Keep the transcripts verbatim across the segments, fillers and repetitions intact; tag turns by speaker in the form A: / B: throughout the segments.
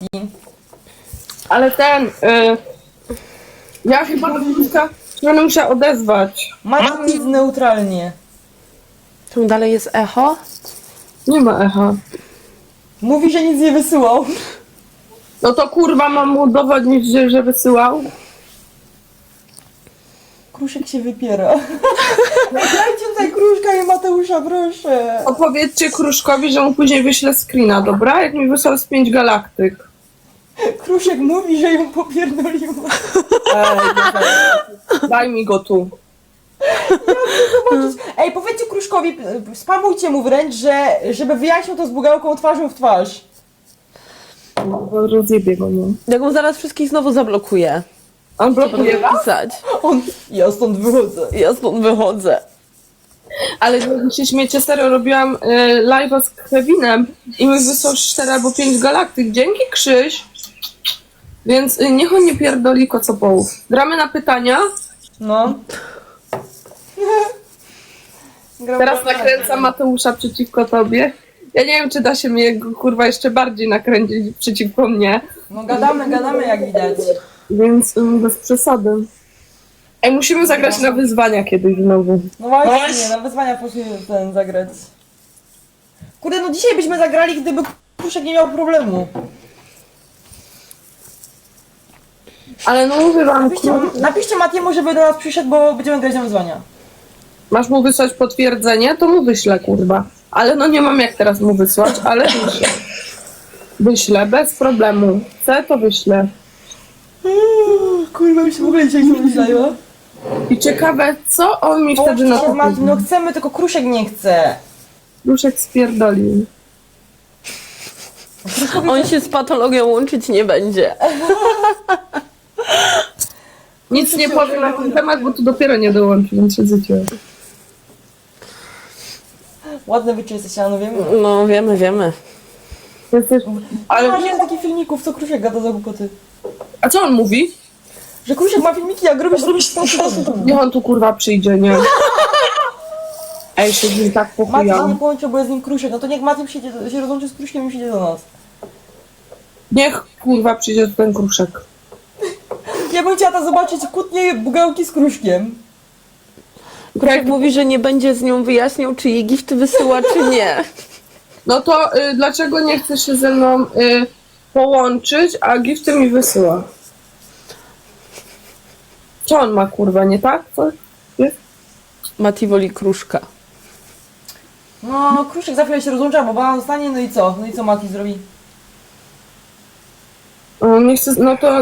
A: Ale ten, y, ja chyba do Wójtka będę musiała odezwać.
B: Mam nic neutralnie.
C: Tu dalej jest echo?
A: Nie ma echa.
B: Mówi, że nic nie wysyłał.
A: No to kurwa mam mu udowodnić, że, że wysyłał.
B: Kruszek się wypiera. Dajcie tutaj Kruszka i Mateusza, proszę.
A: Opowiedzcie Kruszkowi, że mu później wyślę screena, dobra? Jak mi wysłał z pięć galaktyk.
B: Kruszek mówi, że ją popierdoliła.
A: Ej, no daj mi go tu.
B: Zobaczyć. Ej, powiedzcie Kruszkowi, spamujcie mu wręcz, że żeby wyjaśnił to z bugałką twarzą w twarz.
A: No, rozjebie go, nie?
C: Jak mu zaraz wszystkich znowu zablokuję.
A: On blokuje was?
C: Pisać.
B: On, ja stąd wychodzę.
C: Ja stąd wychodzę.
A: Ale jak się śmiecie, serio, robiłam y, live'a z Kevinem i mi wysłał cztery albo pięć galaktyk. Dzięki, Krzyś. Więc y, niech on nie pierdoli kocopołów. Gramy na pytania.
B: No. Gram
A: Teraz
B: na-
A: nakręcam Mateusza przeciwko tobie. Ja nie wiem, czy da się mnie kurwa jeszcze bardziej nakręcić przeciwko mnie.
B: No gadamy, gadamy jak widać.
A: Więc y, bez przesady. Ej, musimy zagrać na wyzwania kiedyś znowu.
B: No właśnie, na wyzwania poszli ten zagrać. Kurde, no dzisiaj byśmy zagrali, gdyby Kruszek nie miał problemu.
A: Ale no mówię wam,
B: Napiszcie, napiszcie Matiemu, żeby do nas przyszedł, bo będziemy grać na wyzwania.
A: masz mu wysłać potwierdzenie, to mu wyślę, kurwa. Ale no nie mam jak teraz mu wysłać, ale wyślę. Wyślę, bez problemu. Chcę, to wyślę.
B: Kurwa, już w ogóle dzisiaj nie myślała.
A: I ciekawe, co on mi wtedy na
B: się
A: to
B: z Matim,
A: powie.
B: no chcemy, tylko Kruszek nie chce.
A: Duszek spierdolił.
C: On się z patologią łączyć nie będzie.
A: Nic nie powiem na ten temat, bo tu dopiero nie dołączy, więc się zycie.
B: Ładne wyczy jesteście, no wiemy.
C: No wiemy, wiemy.
A: Jesteś...
B: Ale
A: Ale...
B: nie ma takich filmików, co Kruszek gada za głupoty.
A: A co on mówi?
B: Że Kruszek ma filmiki, jak robisz, zrobisz to, to, to.
A: Niech on tu kurwa przyjdzie, nie? Ej, się z nim tak
B: Matim się
A: pochujał.
B: nie połączył, bo jest z nim Kruszek. No to niech Matim przyjdzie, do- się rozłączy z Kruszkiem i przyjdzie do nas.
A: Niech kurwa przyjdzie tu ten Kruszek.
B: Ja bym chciała to zobaczyć kłótnie bugałki z Kruszkiem.
C: Kruszek mówi, że nie będzie z nią wyjaśniał, czy jej gifty wysyła, czy nie.
A: No to y, dlaczego nie chcesz się ze mną y, połączyć, a gifty mi wysyła? Co on ma, kurwa, nie tak? Co? Nie?
C: Mati woli Kruszka.
B: No, Kruszek za chwilę się rozłącza, bo bana zostanie, no i co? No i co Mati zrobi?
A: O, nie chcę, no to...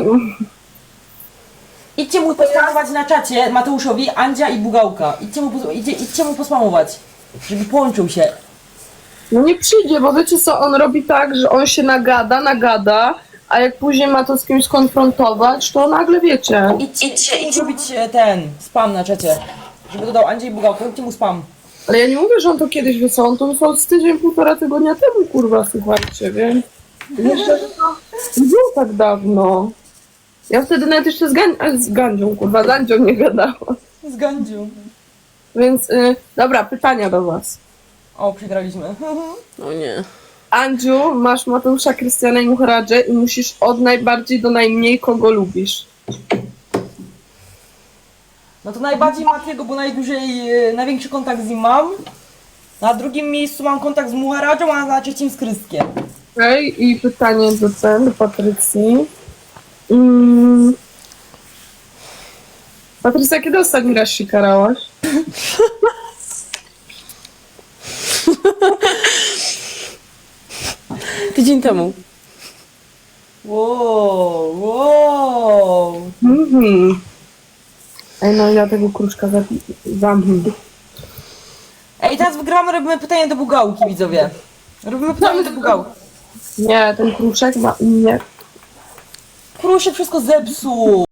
B: Idźcie mu pospamować na czacie Mateuszowi, Andzia i Bugałka. Idźcie mu, pos- idźcie, idźcie mu pospamować, żeby połączył się.
A: No nie przyjdzie, bo wiecie co, on robi tak, że on się nagada, nagada, a jak później ma to z kimś skonfrontować, to nagle wiecie.
B: Idźcie, idźcie, idźcie zrobić e, ten spam na czacie, żeby dodał Andzia i Bugałkę. Róbcie mu spam.
A: Ale ja nie mówię, że on to kiedyś wysłał, on to wysłał z tydzień, półtora tygodnia temu, kurwa, słuchajcie, więc... Myślę, że to nie było tak dawno. Ja wtedy nawet jeszcze z, Gan- a, z Gandzią, kurwa, z Gandzią nie gadałam.
B: Z Gandziu.
A: Więc, y, dobra, pytania do was.
B: O, przegraliśmy.
C: No nie.
A: Andziu, masz Mateusza, Krystiana i Muharadżę i musisz od najbardziej do najmniej kogo lubisz.
B: No to najbardziej Matiego, bo najdłużej, e, największy kontakt z nim mam. Na drugim miejscu mam kontakt z Muharadżą, a na trzecim z Krystkiem.
A: Okej, okay, i pytanie do ten, do Patrycji. Mm. Patrycja, kiedy ostatni raz się karałaś?
C: Tydzień temu.
B: Wow, wow.
A: Mhm. Ej, no ja tego kruszka zamknę.
B: Ej, teraz wygrywamy, robimy pytanie do Bugałki, widzowie. Robimy pytanie do Bugałki.
A: Nie, ten kruszek ma u mnie.
B: Kruszek wszystko zepsuł.